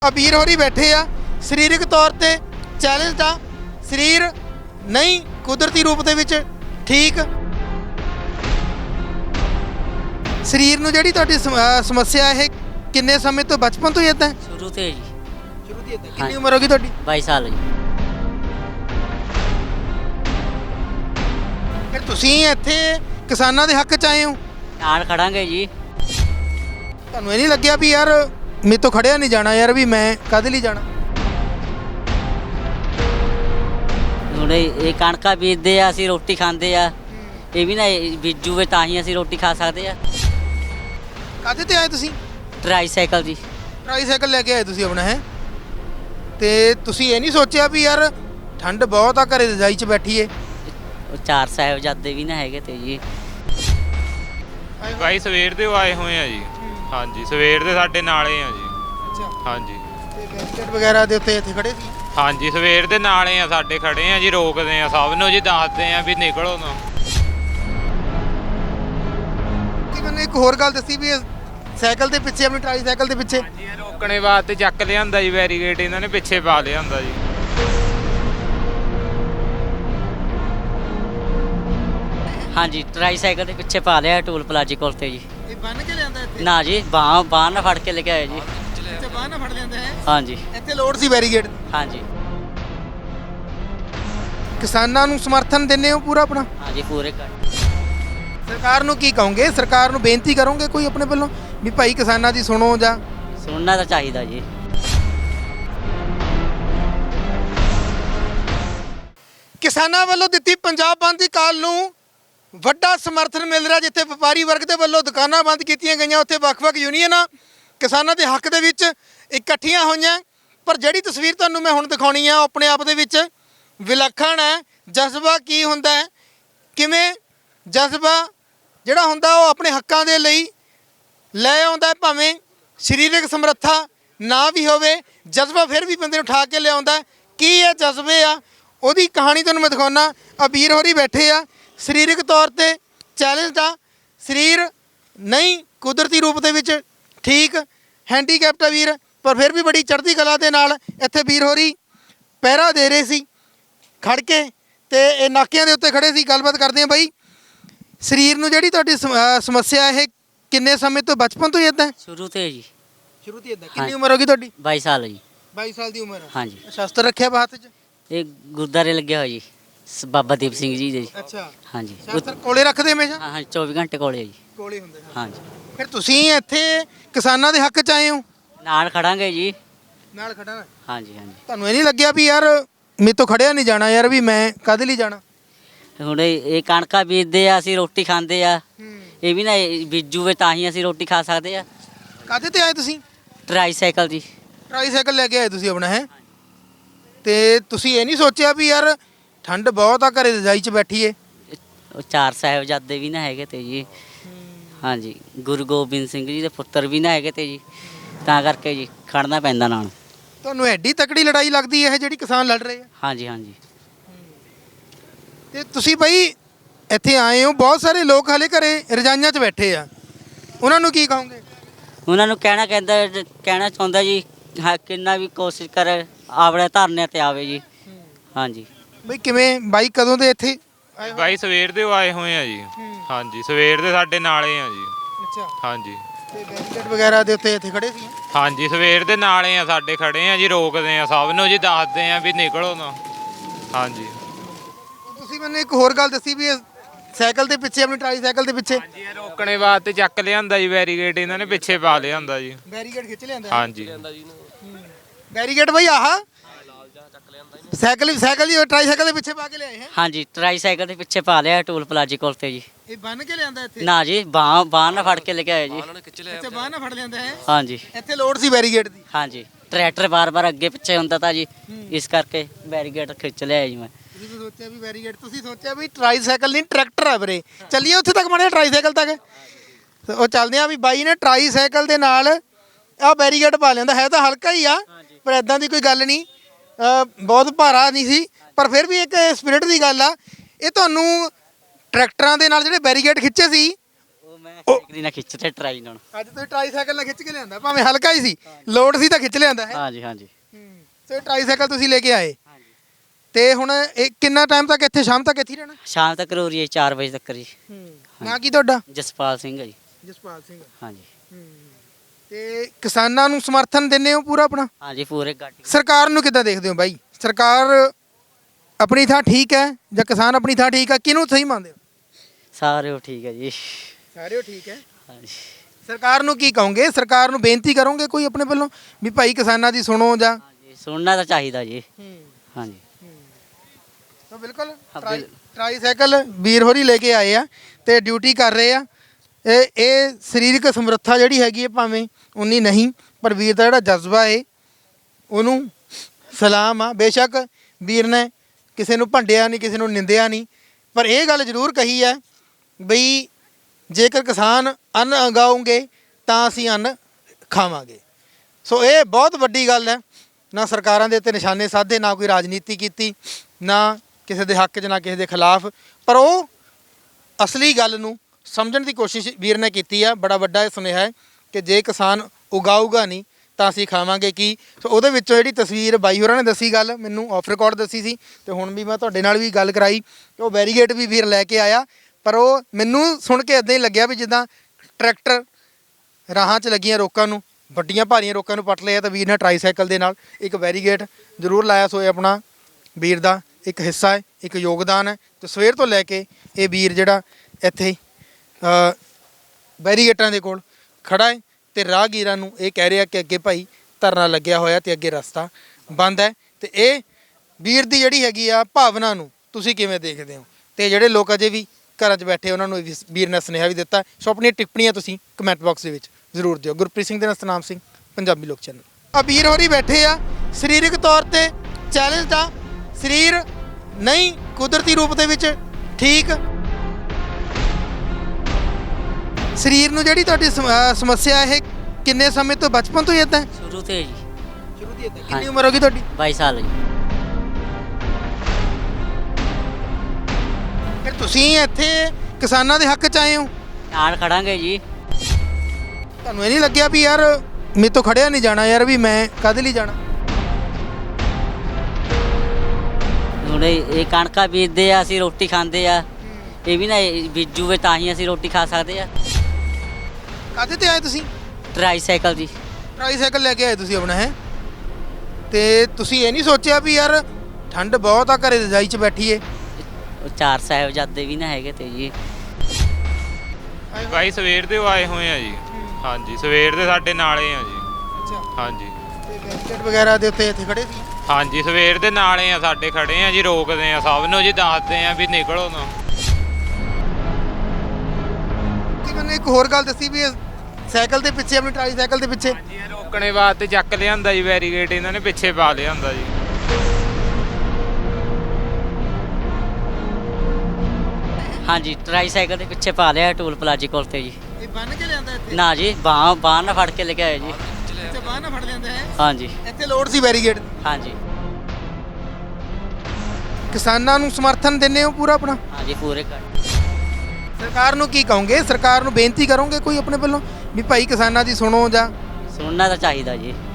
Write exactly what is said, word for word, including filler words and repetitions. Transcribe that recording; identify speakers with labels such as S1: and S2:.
S1: ਵੀਰ ਹੋਰੀ ਬੈਠੇ ਆ ਸਰੀਰਕ ਤੌਰ ਤੇ ਚੈਲੰਜ ਆ ਸਰੀਰ ਨਹੀਂ ਕੁਦਰਤੀ ਰੂਪ ਦੇ ਵਿੱਚ ਠੀਕ ਸਰੀਰ ਨੂੰ ਜਿਹੜੀ ਤੁਹਾਡੀ ਸਮੱਸਿਆ ਇਹ ਕਿੰਨੇ ਸਮੇਂ ਤੋਂ ਬਚਪਨ ਤੋਂ ਹੀ ਇਦਾਂ
S2: शुरू से जी
S1: ਸ਼ੁਰੂ ਤੋਂ ਇਦਾਂ ਕਿੰਨੀ ਉਮਰ ਹੋ ਗਈ ਤੁਹਾਡੀ
S2: बाईस साल जी।
S1: ਫਿਰ ਤੁਸੀਂ ਇੱਥੇ ਕਿਸਾਨਾਂ ਦੇ ਹੱਕ ਚ ਆਏ ਹੋ
S2: ਨਾਲ ਖੜਾਂਗੇ ਜੀ।
S1: ਤੁਹਾਨੂੰ ਇਹ ਨਹੀਂ ਲੱਗਿਆ ਵੀ ਯਾਰ ਮੇਰੇ ਤੋਂ ਖੜਿਆ ਨਹੀਂ ਜਾਣਾ ਯਾਰ ਵੀ ਮੈਂ ਕਦੇ ਲਈ ਜਾਣਾ
S2: ਹੁਣ ਇਹ ਕਣਕਾਂ ਬੀਜਦੇ ਆ ਅਸੀਂ ਰੋਟੀ ਖਾਂਦੇ ਆ ਇਹ ਵੀ ਨਾ ਬੀਜੂਵੇ ਤਾਂ ਹੀ ਅਸੀਂ ਰੋਟੀ ਖਾ ਸਕਦੇ ਆ।
S1: ਕਾਹਦੇ ਤੇ ਆਏ ਤੁਸੀਂ
S2: ਟਰਾਈਸਾਈਕਲ ਜੀ।
S1: ਟਰਾਈਸਾਈਕਲ ਲੈ ਕੇ ਆਏ ਤੁਸੀਂ ਆਪਣਾ ਹੈ ਤੇ ਤੁਸੀਂ ਇਹ ਨਹੀਂ ਸੋਚਿਆ ਵੀ ਯਾਰ ਠੰਡ ਬਹੁਤ ਆ ਘਰੇ ਰਜਾਈ 'ਚ ਬੈਠੀਏ
S2: ਉਹ ਚਾਰ ਸਾਹਿਬਜ਼ਾਦੇ ਵੀ ਨਾ ਹੈਗੇ ਤੇ ਜੀ।
S3: ਭਾਈ ਸਵੇਰ ਦੇ ਆਏ ਹੋਏ ਆ ਜੀ। ਹਾਂਜੀ ਸਵੇਰ ਦੇ ਸਾਡੇ ਨਾਲੇ ਆ ਜੀ।
S1: ਅੱਛਾ
S3: ਹਾਂਜੀ
S1: ਤੇ ਬੈਸਕਟ ਵਗੈਰਾ ਦੇ ਉੱਤੇ ਇੱਥੇ ਖੜੇ ਸੀ
S3: ਹਾਂਜੀ ਸਵੇਰ ਦੇ ਨਾਲੇ ਆ ਸਾਡੇ ਖੜੇ ਆ ਜੀ ਰੋਕਦੇ ਆ ਸਭ ਨੂੰ ਜੀ ਦੱਸਦੇ ਆ ਵੀ ਨਿਕਲੋ ਨਾ।
S1: ਕਿ ਮੈਨੂੰ ਇੱਕ ਹੋਰ ਗੱਲ ਦੱਸੀ ਵੀ ਇਹ ਸਾਈਕਲ ਦੇ ਪਿੱਛੇ ਆਪਣੀ ਟਰਾਈਸਾਈਕਲ ਦੇ ਪਿੱਛੇ
S3: ਹਾਂਜੀ ਇਹ ਰੋਕਣੇ ਵਾਸਤੇ ਚੱਕ ਲਿਆਂਦਾ ਜੀ ਬੈਰੀਗੇਟ ਇਹਨਾਂ ਨੇ ਪਿੱਛੇ ਪਾ ਲਿਆਂਦਾ ਜੀ।
S2: ਹਾਂਜੀ ਟਰਾਈਸਾਈਕਲ ਦੇ ਪਿੱਛੇ ਪਾ ਲਿਆ ਟੂਲ ਪਲਾਜੀ ਕੋਲ ਤੇ ਜੀ।
S1: ਇਹ ਬੰਨ ਕੇ ਲਿਆਂਦਾ ਇੱਥੇ
S2: ਨਾ ਜੀ ਬਾਹ ਬਾਹ ਨਾ ਫੜ ਕੇ ਲੈ ਕੇ ਆਏ ਜੀ।
S1: ਇੱਥੇ ਬਾਹ ਨਾ ਫੜ ਲੈਂਦਾ ਹੈ
S2: ਹਾਂਜੀ
S1: ਇੱਥੇ ਲੋਡ ਸੀ ਬੈਰੀਗੇਡ
S2: ਹਾਂਜੀ
S1: ਕਿਸਾਨਾਂ ਨੂੰ ਸਮਰਥਨ ਦਿੰਦੇ ਹੋ ਪੂਰਾ ਆਪਣਾ
S2: ਹਾਂਜੀ ਪੂਰੇ ਕਰ
S1: ਸਰਕਾਰ ਨੂੰ ਕੀ ਕਹੋਗੇ ਸਰਕਾਰ ਨੂੰ ਬੇਨਤੀ ਕਰੋਗੇ ਕੋਈ ਆਪਣੇ ਵੱਲੋਂ ਵੀ ਭਾਈ ਕਿਸਾਨਾਂ ਦੀ ਸੁਣੋ ਜਾਂ
S2: ਸੁਣਨਾ ਤਾਂ ਚਾਹੀਦਾ ਜੀ।
S1: ਕਿਸਾਨਾਂ ਵੱਲੋਂ ਦਿੱਤੀ ਪੰਜਾਬ ਬੰਦ ਦੀ ਕਾਲ ਨੂੰ ਵੱਡਾ ਸਮਰਥਨ ਮਿਲ ਰਿਹਾ। ਜਿੱਥੇ ਵਪਾਰੀ ਵਰਗ ਦੇ ਵੱਲੋਂ ਦੁਕਾਨਾਂ ਬੰਦ ਕੀਤੀਆਂ ਗਈਆਂ ਉੱਥੇ ਵੱਖ-ਵੱਖ ਯੂਨੀਅਨਾਂ ਕਿਸਾਨਾਂ ਦੇ ਹੱਕ ਦੇ ਵਿੱਚ ਇਕੱਠੀਆਂ ਹੋਈਆਂ। ਪਰ ਜਿਹੜੀ ਤਸਵੀਰ ਤੁਹਾਨੂੰ ਮੈਂ ਹੁਣ ਦਿਖਾਉਣੀ ਆ ਆਪਣੇ ਆਪ ਦੇ ਵਿੱਚ ਵਿਲੱਖਣ ਹੈ। ਜਜ਼ਬਾ ਕੀ ਹੁੰਦਾ ਹੈ ਕਿਵੇਂ ਜਜ਼ਬਾ ਜਿਹੜਾ ਹੁੰਦਾ ਉਹ ਆਪਣੇ ਹੱਕਾਂ ਦੇ ਲਈ ਲੈ ਆਉਂਦਾ ਭਾਵੇਂ ਸਰੀਰਕ ਸਮਰੱਥਾ ਨਾ ਵੀ ਹੋਵੇ ਜਜ਼ਬਾ ਫਿਰ ਵੀ ਬੰਦੇ ਨੂੰ ਉਠਾ ਕੇ ਲਿਆਉਂਦਾ। ਕੀ ਇਹ ਜਜ਼ਬੇ ਆ ਉਹਦੀ ਕਹਾਣੀ ਤੁਹਾਨੂੰ ਮੈਂ ਦਿਖਾਉਣਾ। ਆ ਵੀਰ ਹੋਰੀ ਬੈਠੇ ਆ ਸਰੀਰਕ ਤੌਰ ਤੇ ਚੈਲੰਜ ਆ ਸਰੀਰ ਨਹੀਂ ਕੁਦਰਤੀ ਰੂਪ ਦੇ ਵਿੱਚ ਠੀਕ ਹੈਂਡੀਕੈਪਟ ਆ ਵੀਰ ਪਰ ਫਿਰ ਵੀ ਬੜੀ ਚੜ੍ਹਦੀ ਕਲਾ ਦੇ ਨਾਲ ਇੱਥੇ ਵੀਰ ਹੋਰੀ ਪਹਿਰਾ ਦੇ ਰਹੇ ਸੀ ਖੜ ਕੇ ਤੇ ਇਹ ਨਾਕਿਆਂ ਦੇ ਉੱਤੇ ਖੜੇ ਸੀ। ਗੱਲਬਾਤ ਕਰਦੇ ਆ ਬਾਈ ਸਰੀਰ ਨੂੰ ਜਿਹੜੀ ਤੁਹਾਡੀ ਸਮੱਸਿਆ ਇਹ ਕਿੰਨੇ ਸਮੇਂ ਤੋਂ ਬਚਪਨ ਤੋਂ ਹੀ ਇਦਾਂ
S2: शुरू से जी
S1: ਸ਼ੁਰੂ ਤੋਂ ਇਦਾਂ ਕਿੰਨੀ ਉਮਰ ਹੋ ਗਈ ਤੁਹਾਡੀ
S2: बाईस साल जी।
S1: ਬਾਈ ਸਾਲ ਦੀ ਉਮਰ
S2: ਹਾਂਜੀ
S1: ਸ਼ਸਤਰ ਰੱਖਿਆ ਵਾ ਹੱਥ 'ਚ
S2: ਇਹ ਗੁਰਦਾਰੇ ਲੱਗਿਆ ਹੋਇਆ ਜੀ ਸ- ਬਾਬਾ ਦੀਪ ਸਿੰਘ ਜੀ ਦੇ ਜੀ।
S1: ਅੱਛਾ
S2: ਹਾਂਜੀ
S1: ਸ਼ਸਤਰ ਕੋਲੇ ਰੱਖਦੇ ਹਮੇਸ਼ਾ
S2: ਹਾਂ ਹਾਂ ਚੌਵੀ ਘੰਟੇ ਕੋਲੇ ਜੀ।
S1: ਕੋਲੇ ਹੁੰਦੇ
S2: ਹਾਂਜੀ
S1: ਫਿਰ ਤੁਸੀਂ ਇੱਥੇ ਕਿਸਾਨਾਂ ਦੇ ਹੱਕ 'ਚ ਆਏ ਹੋ
S2: ਨਾਲ ਖੜਾਂਗੇ ਜੀ।
S1: ਨਾਲ ਖੜਾ ਨਾ
S2: ਹਾਂਜੀ ਹਾਂਜੀ
S1: ਤੁਹਾਨੂੰ ਇਹ ਨਹੀਂ ਲੱਗਿਆ ਵੀ ਯਾਰ ਮੇਰੇ ਤੋਂ ਖੜਿਆ ਨਹੀਂ ਜਾਣਾ ਯਾਰ ਵੀ ਮੈਂ ਕਦੇ ਲਈ ਜਾਣਾ
S2: ਹੁਣ ਇਹ ਇਹ ਕਣਕਾਂ ਬੀਜਦੇ ਆ ਅਸੀਂ ਰੋਟੀ ਖਾਂਦੇ ਆ ਇਹ ਵੀ ਨਾ ਬੀਜੂਵੇ ਤਾਂ ਹੀ ਅਸੀਂ ਰੋਟੀ ਖਾ ਸਕਦੇ ਆ।
S1: ਕਾਹਦੇ ਤੇ ਆਏ ਤੁਸੀਂ
S2: ਟਰਾਈਸਾਈਕਲ ਜੀ।
S1: ਟਰਾਈਸਾਈਕਲ ਲੈ ਕੇ ਆਏ ਤੁਸੀਂ ਆਪਣਾ ਹੈ ਤੇ ਤੁਸੀਂ ਇਹ ਨਹੀਂ ਸੋਚਿਆ ਵੀ ਯਾਰ ਠੰਡ ਬਹੁਤ ਆ ਘਰੇ ਰਜਾਈ 'ਚ ਬੈਠੀਏ
S2: ਉਹ ਚਾਰ ਸਾਹਿਬਜ਼ਾਦੇ ਵੀ ਨਾ ਹੈਗੇ ਤੇ ਜੀ। ਹਾਂਜੀ ਗੁਰੂ ਗੋਬਿੰਦ ਸਿੰਘ ਜੀ ਦੇ ਪੁੱਤਰ ਵੀ ਨਾ ਹੈਗੇ ਤੇ ਜੀ ਤਾਂ ਕਰਕੇ ਜੀ ਖੜਨਾ ਪੈਂਦਾ ਨਾਲ।
S1: ਤੁਹਾਨੂੰ ਐਡੀ ਤਕੜੀ ਲੜਾਈ ਲੱਗਦੀ ਹੈ ਇਹ ਜਿਹੜੀ ਕਿਸਾਨ ਲੜ ਰਹੇ ਆ
S2: ਹਾਂਜੀ ਹਾਂਜੀ
S1: ਤੇ ਤੁਸੀਂ ਬਈ ਇੱਥੇ ਆਏ ਹੋ ਬਹੁਤ ਸਾਰੇ ਲੋਕ ਹਲੇ ਘਰੇ ਰਜਾਈਆਂ 'ਚ ਬੈਠੇ ਆ ਉਹਨਾਂ ਨੂੰ ਕੀ ਕਹੋਗੇ
S2: ਉਹਨਾਂ ਨੂੰ ਕਹਿਣਾ ਕਹਿੰਦਾ ਕਹਿਣਾ ਚਾਹੁੰਦਾ ਜੀ ਹਾਂ ਕਿੰਨਾ ਵੀ ਕੋਸ਼ਿਸ਼ ਕਰੇ ਆਪਣੇ ਧਰਨੇ ਤੇ ਆਵੇ ਜੀ। ਹਾਂਜੀ
S1: ਬਈ ਕਿਵੇਂ ਬਾਈ ਕਦੋਂ ਦੇ ਇੱਥੇ ਆਏ ਹੋ
S3: ਭਾਈ ਸਵੇਰ ਦੇ ਆਏ ਹੋਏ ਆ ਜੀ। ਹਾਂਜੀ ਸਵੇਰ ਦੇ ਸਾਡੇ ਨਾਲੇ ਆ ਜੀ।
S1: ਅੱਛਾ
S3: ਹਾਂਜੀ
S1: ਤੇ ਬੈਸਕਟ ਵਗੈਰਾ ਦੇ ਉੱਤੇ ਇੱਥੇ ਖੜੇ ਸੀ
S3: ਹਾਂਜੀ ਸਵੇਰ ਦੇ ਨਾਲੇ ਆ ਸਾਡੇ ਖੜੇ ਆ ਜੀ ਰੋਕਦੇ ਆ ਸਭ ਨੂੰ ਜੀ ਦੱਸਦੇ ਆ ਵੀ ਨਿਕਲੋ ਨਾ। ਹਾਂਜੀ
S1: ਤੁਸੀਂ ਮੈਨੂੰ ਇੱਕ ਹੋਰ ਗੱਲ ਦੱਸੀ ਵੀ ਇਹ ਸਾਈਕਲ ਦੇ ਪਿੱਛੇ ਆਪਣੀ ਟਰਾਈਸਾਈਕਲ ਦੇ ਪਿੱਛੇ
S3: ਹਾਂਜੀ ਇਹ ਰੋਕਣੇ ਵਾਸਤੇ ਚੱਕ ਲਿਆਂਦਾ ਜੀ ਬੈਰੀਗੇਟ ਇਹਨਾਂ ਨੇ ਪਿੱਛੇ ਪਾ ਲਿਆਂਦਾ ਜੀ।
S1: ਬੈਰੀਕੇਡ ਖਿੱਚ ਲਿਆਂਦਾ
S3: ਹਾਂਜੀ
S1: ਬੈਰੀਕੇਡ ਬਈ ਆਹ ਸਾਈਕਲ ਸਾਈਕਲ ਹੀ ਟਰਾਈਸਾਈਕਲ ਦੇ ਪਿੱਛੇ ਪਾ ਕੇ ਲਿਆਏ ਹੈ
S2: ਹਾਂਜੀ ਟਰਾਈਸਾਈਕਲ ਦੇ ਪਿੱਛੇ ਪਾ ਲਿਆ ਟੂਲ ਪਲਾਜੀ ਕੋਲ ਤੇ ਜੀ।
S1: ਇਹ ਬੰਨ ਕੇ ਲਿਆਂਦਾ ਇੱਥੇ
S2: ਨਾ ਜੀ ਬਾਹ ਬਾਹ ਨਾ ਫੜ ਕੇ ਲੈ ਕੇ ਆਏ ਜੀ।
S1: ਇੱਥੇ ਬਾਹ ਨਾ ਫੜ ਲੈਂਦਾ ਹੈ
S2: ਹਾਂਜੀ
S1: ਇੱਥੇ ਲੋਡ ਸੀ ਬੈਰੀਕੇਡ ਦੀ
S2: ਹਾਂਜੀ ਟਰੈਕਟਰ ਬਾਰ-ਬਾਰ ਅੱਗੇ ਪਿੱਛੇ ਹੁੰਦਾ ਤਾਂ ਜੀ ਇਸ ਕਰਕੇ ਬੈਰੀਗੇਟ ਖਿੱਚ ਲਿਆ ਜੀ ਮੈਂ।
S1: ਤੁਸੀਂ ਸੋਚਿਆ ਵੀ ਬੈਰੀਕੇਡ ਤੁਸੀਂ ਸੋਚਿਆ ਵੀ ਟਰਾਈਸਾਈਕਲ ਨਹੀਂ ਟਰੈਕਟਰ ਆ ਵੀਰੇ ਚੱਲੀਏ ਉੱਥੇ ਤੱਕ ਮਾੜੇ ਟਰਾਈਸਾਈਕਲ ਤੱਕ ਤੇ ਉਹ ਚੱਲਦੇ ਆ ਵੀ ਬਾਈ ਨੇ ਟਰਾਈਸਾਈਕਲ ਦੇ ਨਾਲ ਆਹ ਬੈਰੀਕੇਡ ਪਾ ਲੈਂਦਾ ਹੈ ਤਾਂ ਹਲਕਾ ਹੀ ਆ ਪਰ ਇਦਾਂ ਦੀ ਕੋਈ ਗੱਲ ਨਹੀਂ ਬਹੁਤ ਭਾਰਾ ਨਹੀਂ ਸੀ ਪਰ ਫਿਰ ਵੀ ਇੱਕ ਸਪਿਰਿਟ ਦੀ ਗੱਲ ਆ। ਇਹ ਤੁਹਾਨੂੰ ਟਰੈਕਟਰਾਂ ਦੇ ਨਾਲ ਜਿਹੜੇ ਬੈਰੀਕੇਡ ਖਿੱਚੇ ਸੀ
S2: ਉਹ ਮੈਂ ਸਾਈਕਲ ਨਾਲ ਖਿੱਚ ਤੇ ਟਰਾਈ ਨਾਲ।
S1: ਅੱਜ ਤੁਸੀਂ ਟਰਾਈਸਾਈਕਲ ਨਾਲ ਖਿੱਚ ਕੇ ਲਿਆਂਦਾ, ਭਾਵੇਂ ਹਲਕਾ ਹੀ ਸੀ, ਲੋਡ ਸੀ ਤਾਂ ਖਿੱਚ ਲਿਆਂਦਾ ਹੈ।
S2: ਹਾਂਜੀ ਹਾਂਜੀ
S1: ਸੋ ਇਹ ਟਰਾਈਸਾਈਕਲ ਤੁਸੀਂ ਲੈ ਕੇ ਆਏ
S2: ਹਾਂਜੀ।
S1: ਤੇ ਹੁਣ ਇਹ ਕਿੰਨਾ ਟਾਈਮ ਤੱਕ ਇੱਥੇ, ਸ਼ਾਮ ਤੱਕ ਇੱਥੇ ਹੀ ਰਹਿਣਾ?
S2: ਸ਼ਾਮ ਤੱਕ ਰੋਰੀ ਹੈ ਚਾਰ ਵਜੇ ਤੱਕ ਜੀ।
S1: ਨਾਂ ਕੀ ਤੁਹਾਡਾ?
S2: ਜਸਪਾਲ ਸਿੰਘ ਹੈ ਜੀ।
S1: ਜਸਪਾਲ ਸਿੰਘ।
S2: ਹਾਂਜੀ
S1: ਤੇ ਕਿਸਾਨਾਂ ਨੂੰ ਸਮਰਥਨ ਦਿੰਦੇ ਹੋ ਪੂਰਾ ਆਪਣਾ?
S2: ਹਾਂਜੀ ਪੂਰੇ ਗਾਡੀ।
S1: ਸਰਕਾਰ ਨੂੰ ਕਿੱਦਾਂ ਦੇਖਦੇ ਹੋ ਬਾਈ? ਸਰਕਾਰ ਆਪਣੀ ਥਾਂ ਠੀਕ ਹੈ ਜਾਂ ਕਿਸਾਨ ਆਪਣੀ ਥਾਂ ਠੀਕ ਹੈ? ਕਿਹਨੂੰ ਸਹੀ ਮੰਨਦੇ ਹੋ?
S2: ਸਾਰੇ ਉਹ ਠੀਕ ਹੈ ਜੀ।
S1: ਸਾਰੇ ਉਹ ਠੀਕ ਹੈ।
S2: ਹਾਂਜੀ
S1: ਸਰਕਾਰ ਨੂੰ ਕੀ ਕਹੋਗੇ? ਸਰਕਾਰ ਨੂੰ ਬੇਨਤੀ ਕਰੋਗੇ ਕੋਈ ਆਪਣੇ ਵੱਲੋਂ ਵੀ ਭਾਈ ਕਿਸਾਨਾਂ ਦੀ ਸੁਣੋ ਜਾਂ?
S2: ਹਾਂਜੀ ਸੁਣਨਾ ਤਾਂ ਚਾਹੀਦਾ ਜੀ। ਹਾਂਜੀ
S1: ਤਾਂ ਬਿਲਕੁਲ
S2: ਹਾਂ,
S1: ਟਰਾਈ-
S2: ਬਿਲ-
S1: ਟਰਾਈਸਾਈਕਲ ਵੀਰ ਹੋਰੀ ਲੈ ਕੇ ਆਏ ਆ ਤੇ ਡਿਊਟੀ ਕਰ ਰਹੇ ਆ। ਇਹ ਇਹ ਸਰੀਰਕ ਸਮਰੱਥਾ ਜਿਹੜੀ ਹੈਗੀ ਹੈ ਭਾਵੇਂ ਉਨੀ ਨਹੀਂ, ਪਰ ਵੀਰ ਦਾ ਜਿਹੜਾ ਜਜ਼ਬਾ ਹੈ ਉਹਨੂੰ ਸਲਾਮ ਆ। ਬੇਸ਼ੱਕ ਵੀਰ ਨੇ ਕਿਸੇ ਨੂੰ ਭੰਡਿਆ ਨਹੀਂ, ਕਿਸੇ ਨੂੰ ਨਿੰਦਿਆ ਨਹੀਂ, ਪਰ ਇਹ ਗੱਲ ਜ਼ਰੂਰ ਕਹੀ ਹੈ ਬਈ ਜੇਕਰ ਕਿਸਾਨ ਅੰਨ ਉਗਾਉਂਗੇ ਤਾਂ ਅਸੀਂ ਅੰਨ ਖਾਵਾਂਗੇ। ਸੋ ਇਹ ਬਹੁਤ ਵੱਡੀ ਗੱਲ ਹੈ। ਨਾ ਸਰਕਾਰਾਂ ਦੇ ਉੱਤੇ ਨਿਸ਼ਾਨੇ ਸਾਧੇ, ਨਾ ਕੋਈ ਰਾਜਨੀਤੀ ਕੀਤੀ, ਨਾ ਕਿਸੇ ਦੇ ਹੱਕ 'ਚ, ਨਾ ਕਿਸੇ ਦੇ ਖਿਲਾਫ, ਪਰ ਉਹ ਅਸਲੀ ਗੱਲ ਨੂੰ ਸਮਝਣ ਦੀ ਕੋਸ਼ਿਸ਼ ਵੀਰ ਨੇ ਕੀਤੀ ਆ। ਬੜਾ ਵੱਡਾ ਇਹ ਸੁਨੇਹਾ ਹੈ ਕਿ ਜੇ ਕਿਸਾਨ ਉਗਾਊਗਾ ਨਹੀਂ ਤਾਂ ਅਸੀਂ ਖਾਵਾਂਗੇ ਕੀ। ਸੋ ਉਹਦੇ ਵਿੱਚੋਂ ਜਿਹੜੀ ਤਸਵੀਰ ਬਾਈ ਹੋਰਾਂ ਨੇ ਦੱਸੀ, ਗੱਲ ਮੈਨੂੰ ਆਫ ਰਿਕਾਰਡ ਦੱਸੀ ਸੀ ਤੇ ਹੁਣ ਵੀ ਮੈਂ ਤੁਹਾਡੇ ਨਾਲ ਵੀ ਗੱਲ ਕਰਾਈ ਕਿ ਉਹ ਬੈਰੀਗੇਟ ਵੀ ਵੀਰ ਲੈ ਕੇ ਆਇਆ, ਪਰ ਉਹ ਮੈਨੂੰ ਸੁਣ ਕੇ ਇੱਦਾਂ ਹੀ ਲੱਗਿਆ ਵੀ ਜਿੱਦਾਂ ਟਰੈਕਟਰ ਰਾਹਾਂ 'ਚ ਲੱਗੀਆਂ ਰੋਕਾਂ ਨੂੰ, ਵੱਡੀਆਂ ਭਾਰੀਆਂ ਰੋਕਾਂ ਨੂੰ ਪੱਟ ਲਿਆ, ਤਾਂ ਵੀਰ ਨੇ ਟਰਾਈਸਾਈਕਲ ਦੇ ਨਾਲ ਇੱਕ ਬੈਰੀਗੇਟ ਜ਼ਰੂਰ ਲਾਇਆ। ਸੋ ਇਹ ਆਪਣਾ ਵੀਰ ਦਾ ਇੱਕ ਹਿੱਸਾ ਹੈ, ਇੱਕ ਯੋਗਦਾਨ ਹੈ। ਤੇ ਸਵੇਰ ਤੋਂ ਲੈ ਕੇ ਇਹ ਵੀਰ ਜਿਹੜਾ ਇੱਥੇ ਬੈਰੀਗੇਟਾਂ ਦੇ ਕੋਲ ਖੜਾ ਹੈ ਤੇ ਰਾਹਗੀਰਾਂ ਨੂੰ ਇਹ ਕਹਿ ਰਿਹਾ ਕਿ ਅੱਗੇ ਭਾਈ ਧਰਨਾ ਲੱਗਿਆ ਹੋਇਆ ਤੇ ਅੱਗੇ ਰਸਤਾ ਬੰਦ ਹੈ। ਤੇ ਇਹ ਵੀਰ ਦੀ ਜਿਹੜੀ ਹੈਗੀ ਆ ਭਾਵਨਾ ਨੂੰ ਤੁਸੀਂ ਕਿਵੇਂ ਦੇਖਦੇ ਹੋ? ਤੇ ਜਿਹੜੇ ਲੋਕ ਅਜੇ ਵੀ ਘਰਾਂ 'ਚ ਬੈਠੇ ਉਹਨਾਂ ਨੂੰ ਇਹ ਵੀ ਵੀਰ ਨੇ ਸੁਨੇਹਾ ਵੀ ਦਿੱਤਾ। ਸੋ ਆਪਣੀਆਂ ਟਿੱਪਣੀਆਂ ਤੁਸੀਂ ਕਮੈਂਟ ਬਾਕਸ ਦੇ ਵਿੱਚ ਜ਼ਰੂਰ ਦਿਓ। ਗੁਰਪ੍ਰੀਤ ਸਿੰਘ ਦੇ ਨਾਲ ਸਤਨਾਮ ਸਿੰਘ, ਪੰਜਾਬੀ ਲੋਕ ਚੈਨਲ। ਆ ਵੀਰ ਹੋਰੀ ਬੈਠੇ ਆ, ਸਰੀਰਕ ਤੌਰ ਤੇ ਚੈਲੰਜ ਆ, ਸਰੀਰ ਨਹੀਂ ਕੁਦਰਤੀ ਰੂਪ ਦੇ ਵਿੱਚ ਠੀਕ। ਸਰੀਰ ਨੂੰ ਜਿਹੜੀ ਤੁਹਾਡੀ ਸਮ- ਅਹ ਸਮੱਸਿਆ ਇਹ ਕਿੰਨੇ ਸਮੇਂ ਤੋਂ, ਬਚਪਨ ਤੋਂ ਹੀ ਇਦਾਂ?
S2: ਸ਼ੁਰੂ ਤੋਂ ਹੀ ਜੀ।
S1: ਸ਼ੁਰੂ ਤੋਂ ਇਦਾਂ। ਕਿੰਨੀ
S2: ਹਾਂਜੀ।
S1: ਉਮਰ ਹੋ ਗਈ ਤੁਹਾਡੀ?
S2: ਬਾਈ ਸਾਲ ਜੀ।
S1: ਫਿਰ ਤੁਸੀਂ ਇੱਥੇ ਕਿਸਾਨਾਂ ਦੇ ਹੱਕ 'ਚ ਆਏ ਹੋ,
S2: ਨਾਲ ਖੜਾਂਗੇ ਜੀ।
S1: ਤੁਹਾਨੂੰ ਇਹ ਨਹੀਂ ਲੱਗਿਆ ਵੀ ਯਾਰ ਮੇਰੇ ਤੋਂ ਖੜਿਆ ਨਹੀਂ ਜਾਣਾ ਯਾਰ, ਵੀ ਮੈਂ ਕਾਹਦੇ ਲਈ ਜਾਣਾ?
S2: ਹੁਣ ਇਹ ਇਹ ਕਣਕਾਂ ਬੀਜਦੇ ਆ, ਅਸੀਂ ਰੋਟੀ ਖਾਂਦੇ ਆ। ਇਹ ਵੀ ਨਾ ਇਹ ਬੀਜੂਵੇ ਤਾਂ ਹੀ ਅਸੀਂ ਰੋਟੀ ਖਾ ਸਕਦੇ ਆ।
S1: ਕਾਹਦੇ ਤੇ ਆਏ ਤੁਸੀਂ?
S2: ਟਰਾਈਸਾਈਕਲ ਜੀ।
S1: ਟਰਾਈਸਾਈਕਲ ਲੈ ਕੇ ਆਏ ਤੁਸੀਂ ਆਪਣਾ, ਹੈ? ਤੇ ਤੁਸੀਂ ਇਹ ਨਹੀਂ ਸੋਚਿਆ ਵੀ ਯਾਰ ਠੰਡ ਬਹੁਤ ਆ, ਘਰੇ ਰਜਾਈ 'ਚ ਬੈਠੀਏ?
S2: ਉਹ ਚਾਰ ਸਾਹਿਬਜ਼ਾਦੇ ਵੀ ਨਾ ਹੈਗੇ ਤੇ ਜੀ।
S3: ਬਾਈ ਸਵੇਰ ਦੇ ਉਹ ਆਏ ਹੋਏ ਆ ਜੀ। ਹਾਂਜੀ ਸਵੇਰ ਦੇ ਸਾਡੇ ਨਾਲੇ ਆ ਜੀ।
S1: ਅੱਛਾ।
S3: ਹਾਂਜੀ
S1: ਤੇ ਬੈਰੀਕੇਡ ਵਗੈਰਾ ਦੇ ਉੱਤੇ ਇੱਥੇ ਖੜੇ ਸੀ?
S3: ਹਾਂਜੀ ਸਵੇਰ ਦੇ ਨਾਲੇ ਆ ਸਾਡੇ, ਖੜੇ ਆ ਜੀ, ਰੋਕਦੇ ਆ ਸਭ ਨੂੰ ਜੀ, ਦੱਸਦੇ ਆ ਵੀ ਨਿਕਲੋ ਨਾ।
S1: ਕਿ ਮੈਨੂੰ ਇੱਕ ਹੋਰ ਗੱਲ ਦੱਸੀ ਵੀ ਇਹ ਸਾਈਕਲ ਦੇ ਪਿੱਛੇ, ਆਪਣੀ ਟਰਾਈਸਾਈਕਲ ਦੇ ਪਿੱਛੇ
S3: ਹਾਂਜੀ ਇਹ ਰੋਕਣੇ ਵਾਸਤੇ ਚੱਕ ਲਿਆਂਦਾ ਜੀ ਬੈਰੀਗੇਟ, ਇਹਨਾਂ ਨੇ ਪਿੱਛੇ ਪਾ ਲਿਆਂਦਾ ਜੀ।
S2: ਹਾਂਜੀ ਟਰਾਈਸਾਈਕਲ ਦੇ ਪਿੱਛੇ ਪਾ ਲਿਆ ਟੂਲ ਪਲਾਜੀ ਕੋਲ ਤੇ ਜੀ।
S1: ਇਹ ਬੰਨ ਕੇ ਲਿਆਂਦਾ ਇੱਥੇ?
S2: ਨਾ ਜੀ ਬਾਹ ਬਾਹ ਨਾ ਫੜ ਕੇ ਲੈ ਕੇ ਆਏ ਜੀ।
S1: ਇੱਥੇ ਬਾਹ ਨਾ ਫੜ ਲੈਂਦਾ ਹੈ?
S2: ਹਾਂਜੀ
S1: ਇੱਥੇ ਲੋਡ ਸੀ ਬੈਰੀਗੇਡ।
S2: ਹਾਂਜੀ
S1: ਕਿਸਾਨਾਂ ਨੂੰ ਸਮਰਥਨ ਦਿੰਦੇ ਹੋ ਪੂਰਾ ਆਪਣਾ?
S2: ਹਾਂਜੀ ਪੂਰੇ ਗਾਡੀ।
S1: ਸਰਕਾਰ ਨੂੰ ਕੀ ਕਹੋਗੇ? ਸਰਕਾਰ ਨੂੰ ਬੇਨਤੀ ਕਰੋਗੇ ਕੋਈ ਆਪਣੇ ਵੱਲੋਂ ਵੀ ਭਾਈ ਕਿਸਾਨਾਂ ਦੀ ਸੁਣੋ ਜਾਂ?
S2: ਸੁਣਨਾ ਤਾਂ ਚਾਹੀਦਾ ਜੀ।